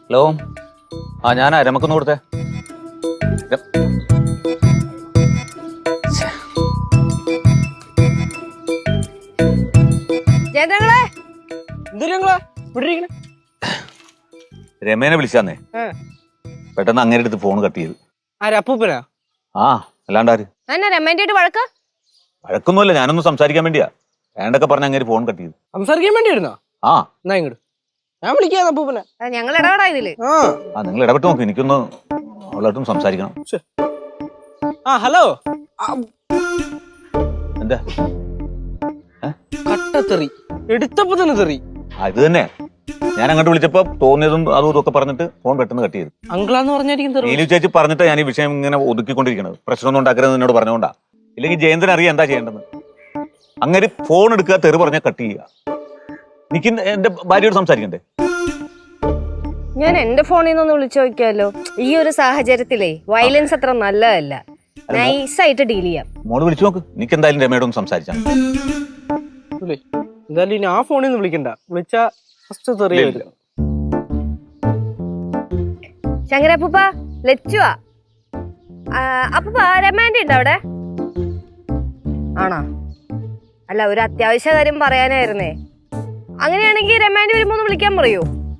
Hello, ആ ഞാനാ രമക്കൊന്ന് കൊടുത്തേ. രമേനെ വിളിച്ചാന്നേ, പെട്ടെന്ന് അങ്ങനെ അടുത്ത് ഫോൺ കട്ട് ചെയ്ത്. അപ്പൂപ്പനാ? ആ, അല്ലാണ്ടാര്? വഴക്കൊന്നുമല്ല, ഞാനൊന്ന് സംസാരിക്കാൻ വേണ്ടിയാ. വേണ്ടൊക്കെ പറഞ്ഞ അങ്ങനെ ഫോൺ കട്ട് ചെയ്ത്. സംസാരിക്കാൻ വേണ്ടിയായിരുന്നോ? ആ, എന്നാ ഇങ്ങോട്ട് ഞാൻ വിളിക്കാം അപ്പൂപ്പനെ. ഞങ്ങൾ ഇടപെടാ ഇതില്. ആ നിങ്ങൾ ഇടപെട്ട് നോക്ക്, എനിക്കൊന്ന് അവളായിട്ടും സംസാരിക്കണം. ഹലോ. എന്താ കട്ടത്തെറി എടുത്തപ്പോ തന്നെ തെറി. ഇത് തന്നെ ഞാൻ അങ്ങോട്ട് വിളിച്ചപ്പോ തോന്നിയതും അതും ഇതൊക്കെ പറഞ്ഞിട്ട് ഫോൺ പെട്ടെന്ന് കട്ട് ചെയ്തു. അങ്കിളാന്ന് പറഞ്ഞായിരിക്കും തെറി. നീലു ചേച്ചി പറഞ്ഞിട്ട് ഞാൻ ഈ വിഷയം ഇങ്ങനെ ഒതുക്കിക്കൊണ്ടിരിക്കണത്. പ്രശ്നമൊന്നും ഉണ്ടാക്കരുത് എന്നോട് പറഞ്ഞുകൊണ്ടാ. ഇല്ലെങ്കിൽ ജയന്തൻ അറിയാം എന്താ ചെയ്യേണ്ടത്. അങ്ങനെ ഫോൺ എടുക്കുക, തെറി പറഞ്ഞാൽ കട്ട് ചെയ്യുക. എനിക്ക് എന്റെ ഭാര്യയോട് സംസാരിക്കണ്ടേ? ഞാൻ എന്റെ ഫോണിൽ നിന്ന് വിളിച്ചു നോക്കിയാലോ. ഈ ഒരു സാഹചര്യത്തിലേ വയലൻസ് അത്ര നല്ലതല്ല. നൈസായിട്ട് ഡീൽ ചെയ്യാം. മോള് വിളിച്ചു നോക്ക്. എനിക്ക് എന്തായാലും രമയോടൊന്ന് സംസാരിച്ചാൽ. എന്തായാലും ഇനി ആ ഫോണിൽ നിന്ന് വിളിക്കണ്ട. വിളിച്ചാ ഫസ്റ്റ് തെറി വരും. ശങ്കരപ്പൂപ്പ, ലച്ചുവാ. അപ്പൂപ്പ രമാൻഡി ഉണ്ടോ അവിടെ? ആണോ? അല്ല, ഒരു അത്യാവശ്യ കാര്യം പറയാനായിരുന്നേ. അങ്ങനെയാണെങ്കിൽ രമാൻഡി വരുമ്പോ ഒന്ന് വിളിക്കാൻ പറയൂ.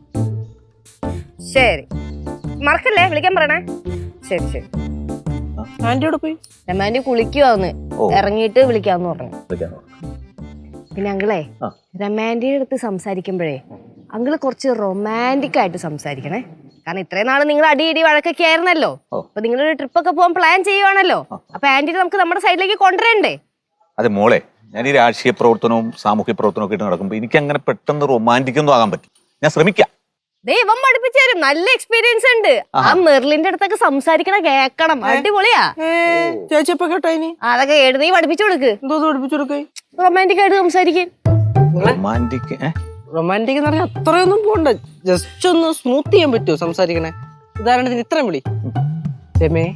ശരി, മറക്കല്ലേ, വിളിക്കാൻ പറയണേ. ശരി ശരി. ആന്റിയോട് പോയി രമാൻഡി കുളിക്കുവാന്ന്, ഇറങ്ങിയിട്ട് വിളിക്കാന്ന് പറഞ്ഞു. പിന്നെ അങ്കിളെ, രമാൻഡിയുടെ അടുത്ത് സംസാരിക്കുമ്പോഴേ അങ്കിള് കുറച്ച് റൊമാൻറ്റിക് ആയിട്ട് സംസാരിക്കണേ. കാരണം ഇത്രയും നാള് നിങ്ങൾ അടിയിടി വഴക്കൊക്കെ ആയിരുന്നല്ലോ. അപ്പൊ നിങ്ങളൊരു ട്രിപ്പൊക്കെ പോകാൻ പ്ലാൻ ചെയ്യുവാണല്ലോ. അപ്പൊ ആന്റിനെ നമുക്ക് നമ്മുടെ സൈഡിലേക്ക് കൊണ്ടുവരണ്ടേ? അതെ മോളെ, ഞാൻ ഈ രാഷ്ട്രീയ പ്രവർത്തനവും സാമൂഹ്യ പ്രവർത്തനവും ഒക്കെ ഇട്ട് നടക്കുമ്പോൾ എനിക്ക് അങ്ങനെ പെട്ടെന്ന് റൊമാൻറ്റിക് ഒന്നും ആകാൻ പറ്റും. ഞാൻ ശ്രമിക്കാം. ദൈവം പഠിപ്പിച്ചു തരും. നല്ല എക്സ്പീരിയൻസ് ഉണ്ട്. ആ മെർലിന്റെ അടുത്തൊക്കെ സംസാരിക്കണ കേക്കണം. അടിപൊളിയാ. ചേച്ചിയപ്പോ കേട്ടോ ഇനി അതൊക്കെ എഴുതി പഠിപ്പിച്ചു കൊടുക്ക്. എന്തോ പഠിപ്പിച്ചു കൊടുക്കേ? റൊമാൻറ്റിക് ആയിട്ട് സംസാരിക്കും. റൊമാൻറ്റിക് എന്ന് പറഞ്ഞാൽ അത്രയൊന്നും പോണ്ട. ജസ്റ്റ് ഒന്ന് സ്മൂത്ത് ചെയ്യാൻ പറ്റുമോ സംസാരിക്കണേ? ഉദാഹരണത്തിന് ഇത്രയും വിളി. രമേ.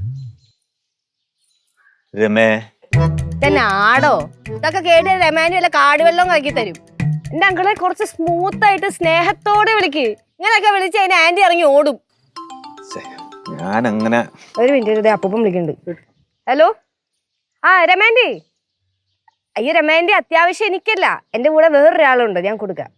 രമേ തന്നെ ആടോ? ഇതൊക്കെ കേട്ട് രമാൻഡി വല്ല കാടുവെള്ളം ആക്കി തരും. എന്റെ അങ്കിളെ കുറച്ച് സ്മൂത്ത് ആയിട്ട് സ്നേഹത്തോടെ വിളിക്ക്. ഇങ്ങനെയൊക്കെ വിളിച്ച് അതിന് ആന്റി ഇറങ്ങി ഓടും. ഞാൻ അങ്ങനെ ഒരു മിനിറ്റ്, അപ്പൂപ്പൻ വിളിക്കുന്നുണ്ട്. ഹലോ, ആ രമാൻഡി. അയ്യോ രമാൻഡി, അത്യാവശ്യം എനിക്കല്ല, എന്റെ കൂടെ വേറൊരാളുണ്ട്, ഞാൻ കൊടുക്കാം.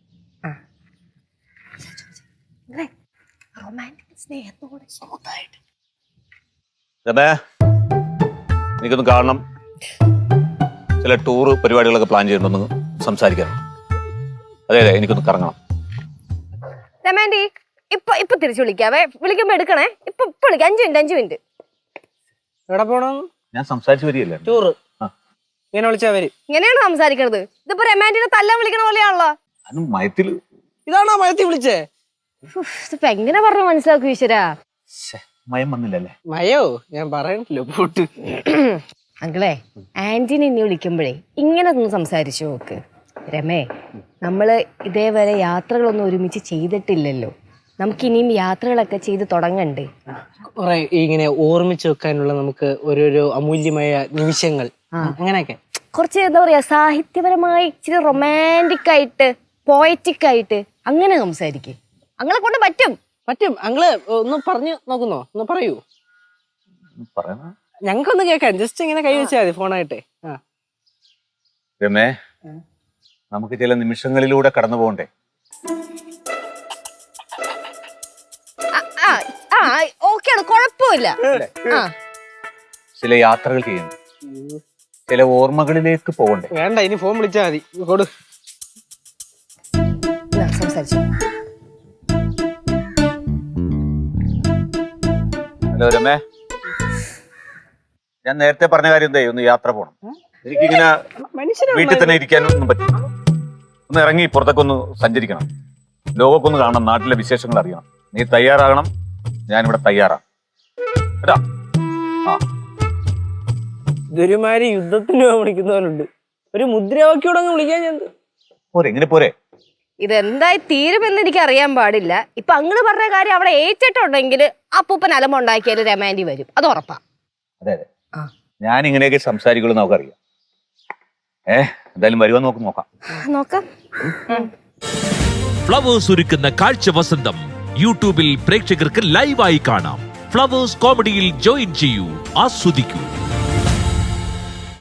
സ്നേഹത്തോടെ സ്മൂത്തായിട്ട്. രമേ, എനിക്കൊന്ന് കാണണം. ചില ടൂറ് പരിപാടികളൊക്കെ പ്ലാൻ ചെയ്യണമെന്ന് സംസാരിക്കണം. അതെ അതെ, എനിക്കൊന്ന് കറങ്ങണം. രമാൻഡി, ഇപ്പൊ തിരിച്ചു വിളിക്കാവേ. വിളിക്കുമ്പോ എടുക്കണേ. ഇപ്പൊ വിളിക്കാം. 5 മിനിറ്റ്. എവിടെ പോണം? ഞാൻ സംസാരിച്ചു വരികയല്ലേ. ടൂറ് ഇങ്ങനെ വിളിച്ചാ വരും. ഇങ്ങനെയാണ് സംസാരിക്കണത്. ഇതിപ്പോ രമാൻഡിനെ തല്ലാൻ വിളിക്കണ പോലെയാണല്ലോ. മയത്തില് ഇതാണോ മയത്തിൽ വിളിച്ചേ? ഇതിപ്പോ എങ്ങനെ പറഞ്ഞു മനസ്സിലാക്കും ഈശ്വരാ? മയം വന്നില്ലല്ലേ? മയോ ഞാൻ പറയണല്ലോ പോട്ട്. അങ്കിളെ, ആന്റിനെ ഇനി വിളിക്കുമ്പോഴേ ഇങ്ങനെ ഒന്ന് സംസാരിച്ചു നോക്ക്. രമേ, നമ്മള് ഇതേവരെ യാത്രകളൊന്നും ഒരുമിച്ച് ചെയ്തിട്ടില്ലല്ലോ. നമുക്കിനിയും യാത്രകളൊക്കെ ചെയ്ത് തുടങ്ങണ്ടേ? കുറെ ഇങ്ങനെ ഓർമ്മിച്ച് വെക്കാനുള്ള നമുക്ക് ഓരോരോ അമൂല്യമായ നിമിഷങ്ങൾ, അങ്ങനെയൊക്കെ കുറച്ച് എന്താ പറയാ, സാഹിത്യപരമായി ഇച്ചിരി റൊമാൻറ്റിക് ആയിട്ട് പോയറ്റിക് ആയിട്ട് അങ്ങനെ സംസാരിക്കും. അങ്ങളെ കൊണ്ട് പറ്റും. പറ്റും. അങ്ങള് ഒന്ന് പറഞ്ഞു നോക്കുന്നോ? ഒന്ന് പറയൂ. ഞങ്ങൾക്കൊന്ന് കേൾക്കാൻ. ജസ്റ്റ് ഇങ്ങനെ കൈ വെച്ചാൽ മതി ഫോണായിട്ടെ. രമേ, നമുക്ക് ചില നിമിഷങ്ങളിലൂടെ കടന്നു പോകണ്ടേ? ഓക്കെയാണ്, കുഴപ്പമില്ല. ചില യാത്രകൾ ചെയ്യണം, ചില ഓർമ്മകളിലേക്ക് പോകണ്ടേ? വേണ്ട, ഇനി ഫോൺ വിളിച്ചാൽ മതി. കൊടു. സംസാരിച്ചു. ഹലോ രമേ, ഞാൻ നേരത്തെ പറഞ്ഞ കാര്യം എന്തായി? ഒന്ന് യാത്ര പോകണം. എനിക്കിങ്ങനെ വീട്ടിൽ തന്നെ ഇരിക്കാനൊന്നും പറ്റില്ല. ഒന്ന് ഇറങ്ങി പുറത്തൊക്കെ ഒന്ന് സഞ്ചരിക്കണം. ലോകമൊക്കെ ഒന്ന് കാണണം, നാട്ടിലെ വിശേഷങ്ങൾ അറിയണം. നീ തയ്യാറാകണം, ഞാനിവിടെ തയ്യാറാണ് കേട്ടാ. ഇതൊരുമാതിരി യുദ്ധത്തിന് വിളിക്കുന്നവരുണ്ട്. ഒരു മുദ്രാവാക്യോടെ വിളിക്കാൻ ഞാൻ പോരെ. എങ്ങനെ പോരെ? ഇതെന്തായി തീരുമെന്ന് എനിക്ക് അറിയാൻ പാടില്ല. ഇപ്പൊ അങ്ങള് പറഞ്ഞ കാര്യം അവിടെ ഏറ്റിട്ടുണ്ടെങ്കിൽ അപ്പൂപ്പൻ അലമുണ്ടാക്കിയാലും രമാൻഡി വരും, അത് ഉറപ്പാ. അതെ അതെ, ഞാൻ ഇങ്ങനെയൊക്കെ സംസാരിക്കുള്ളൂ നമുക്കറിയാം. എന്തായാലും വരുവാൻ നോക്കാം. നോക്കാം. ഫ്ലവേഴ്സ് ഒരുക്കുന്ന കാഴ്ച വസന്തം യൂട്യൂബിൽ പ്രേക്ഷകർക്ക് ലൈവായി കാണാം. ഫ്ലവേഴ്സ് കോമഡിയിൽ ജോയിൻ ചെയ്യൂ, ആസ്വദിക്കൂ.